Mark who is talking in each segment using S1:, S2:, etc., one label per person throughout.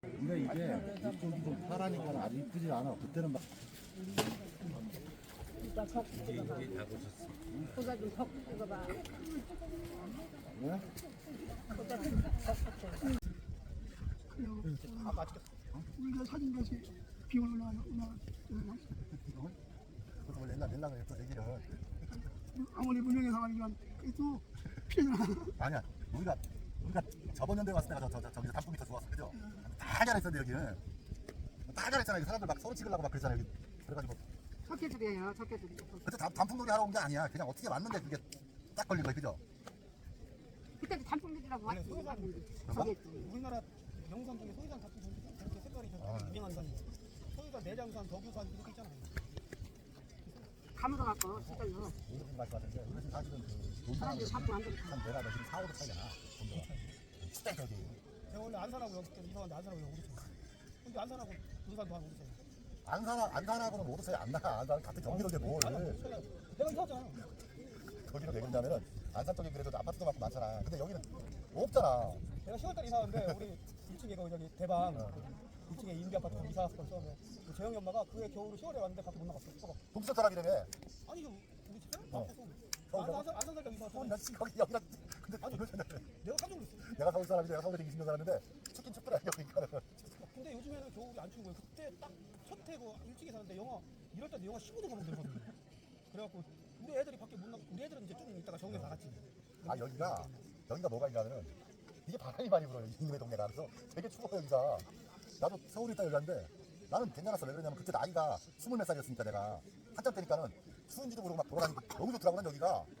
S1: 근데 이게 이쪽이 좀 파라니까 아주 이쁘지 않아. 그때는 막
S2: 이따 석 찍어봐. 거기다 좀석 찍어봐.
S1: 왜?
S2: 거기다 좀석 찍어봐.
S3: 아 맛있겠어. 우리가 사진 다시 비올 올라가나
S1: 그것도 원래 옛날에 했던 얘기를.
S3: 아무리 무명의 사람이지만 그래도 피해잖아.
S1: 아니야. 우리가 저번 연도에 왔을 때가 저기서 단풍이 더 좋았어, 그죠? 다 잘했었는데 여기는 다 잘했잖아. 여기 사람들 막 서로 찍으려고 막 그랬잖아 여기. 그래가지고
S3: 석회들이에요, 석회들.
S1: 그때 단풍놀이 하러 온 게 아니야. 그냥 어떻게 왔는데 그게 딱 걸린 거야, 그죠?
S3: 그때도 단풍들이라고
S4: 원래
S3: 왔지.
S4: 소유산
S3: 저겠지.
S4: 우리나라 명산 중에 소유산 단풍 저렇게 색깔이 저렇게 유명한 산이 소유산, 내장산, 덕유산 이렇게 있잖아요.
S3: 감으로 갖고 진짜요.
S1: 무슨 말씀 같은데 이것은 사실은 그
S3: 사람들이 자꾸 안 들어.
S1: 한 내가 너 지금 4, 5도 차이잖아. 진짜 저기.
S4: 제가 원래 안산하고 여기 이사 왔는데 안산하고 여기 오르죠. 근데 안산하고 군산도 한 오르죠.
S1: 안산하고는 모두 차이 안 나. 안산 같은 경기도인데 뭘.
S4: 내가 이사 왔잖아.
S1: 거기로 왜 그러냐면은 안산 쪽에 그래도 아파트도 많고 많잖아. 근데 여기는 없잖아.
S4: 내가 10월달에 이사 왔는데 우리 1층에 그 저기 대방 2층에 인비 아파트 이사 왔을 때 처음에 그 재영이 엄마가 그해 겨울에 10월에 왔는데 밖에 못 나갔어.
S1: 동서 사람이라며.
S4: 아니 좀 우리 집에
S1: 어.
S4: 안산 살짝 이사 왔잖아.
S1: 나 지금 거기 여기랑 근데
S4: 아니,
S1: 이걸 생각해.
S4: 내가 깜짝 놀랐어.
S1: 내가 서울 사람인데 내가 서울에 20년 살았는데 춥긴 춥더라 여기니까는.
S4: 근데 요즘에는 겨울이 안 추운 거예요. 그때 딱 첫 해고 일찍이 사는데 영하 1월달에 영하 15도 가면 되거든요. 그래갖고 우리 애들이 밖에 못 나가. 우리 애들은 이제 좀 이따가 정에 나갔지.
S1: 아 여기가 뭐가 있냐면은 이게 바람이 많이 불어요. 이놈의 동네가. 그래서 되게 추워요 여기가. 나도 서울에 있다 여기 왔는데 나는 괜찮았어. 왜 그러냐면 그때 나이가 20몇 살이었으니까 내가 한참 때니까는 추운지도 모르고 막 돌아다니고 너무 좋더라고. 난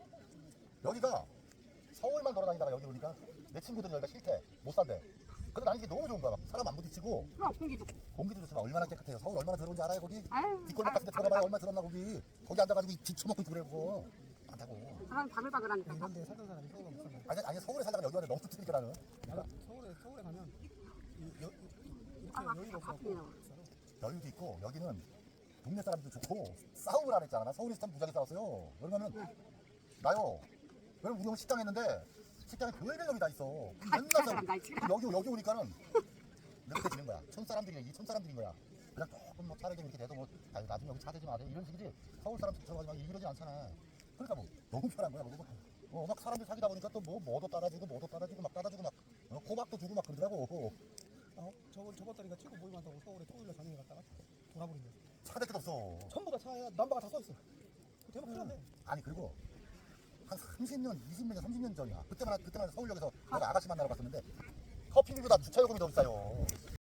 S1: 여기가 서울만 돌아다니다가 여기 오니까 내 친구들은 여기가 싫대. 못 산대. 근데 나는 이게 너무 좋은 거야. 막 사람 안 부딪히고
S3: 그럼 공기도.
S1: 공기도 좋지만 얼마나 깨끗해요. 서울 얼마나 더러운지 알아요 거기?
S3: 아유.
S1: 뒷골목 같은 데 들어가봐야 얼마나 더럽나 거기. 거기 앉아가지고 뒤 처먹고 있고 그래 그거. 많다고.
S3: 사람 바글바글하니까.
S4: 이런 데 살던 사람이 서울에 못 살아.
S1: 아니 서울에 살다가 여기 왔는데 너무 춥으니까 나는.
S4: 나는 서울에 가면 이렇게 여유가 없어서
S3: 바쁘네요.
S1: 여유도 있고 여기는 동네 사람들도 좋고 싸움을 안 했잖아. 나 서울에서 참 무지하게 싸웠어요. 그러면은 나요. 왜냐면 우리 형 식당 했는데 식당에 별별 놈이 다 있어. 맨날
S3: 사람 날 치라.
S1: 여기 오니까는 이렇게 지는 거야. 촌사람들인 거야. 그냥 조금 뭐 차례 좀 이렇게 돼도 뭐 아유 나중에 여기 차 대지 마세요 이런 식이지. 서울 사람처럼 하지 마 이러지 않잖아. 그러니까 뭐 너무 편한 거야. 막 사람들 사귀다 보니까 또 뭐도 따라주고 막 따라주고 막 호박도 주고 막 그러더라고.
S4: 저번 달인가 친구 모임한다고 서울에 토요일에 저녁에 갔다가 돌아버린 거야.
S1: 차 댈 데도 없어.
S4: 전부 다 차에 남바가 다 써있어. 대박 큰일 났네.
S1: 아니 그리고 한 30년, 20년, 30년 전이야. 그때만 서울역에서 내가 아가씨 만나러 갔었는데 커피비보다 주차요금이 더 비싸요.